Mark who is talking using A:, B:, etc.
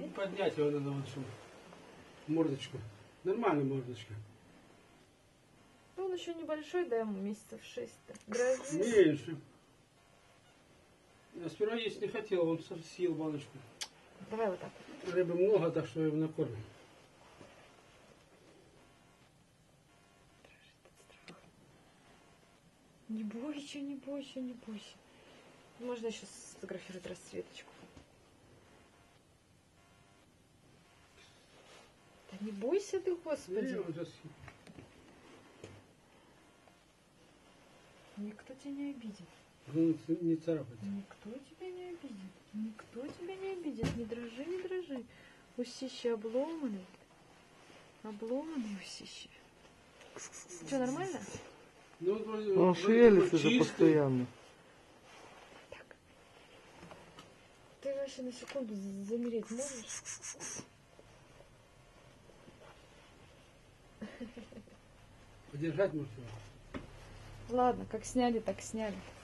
A: поднять его надо вот, чтобы мордочку. Нормальная мордочка.
B: Ну, он еще небольшой, да, ему месяцев 6-то. Дрожит.
A: Меньше. Я сперва есть не хотел, он съел баночку.
B: Давай вот так.
A: Рыбы много, так что я его накормлю.
B: Не бойся, не бойся, не бойся. Можно еще сфотографировать расцветочку. Да не бойся ты, Господи.
A: Не, он сейчас...
B: Никто тебя не обидит.
A: Ну, не царапать.
B: Никто тебя не обидит. Никто тебя не обидит. Не дрожи, не дрожи. Усище обломанный. Обломанный усище. Что, нормально?
A: Ну, вроде,
C: Он шевелится же постоянно.
B: Так. Ты вообще на секунду замереть можешь?
A: Подержать можно.
B: Ладно, как сняли, так сняли.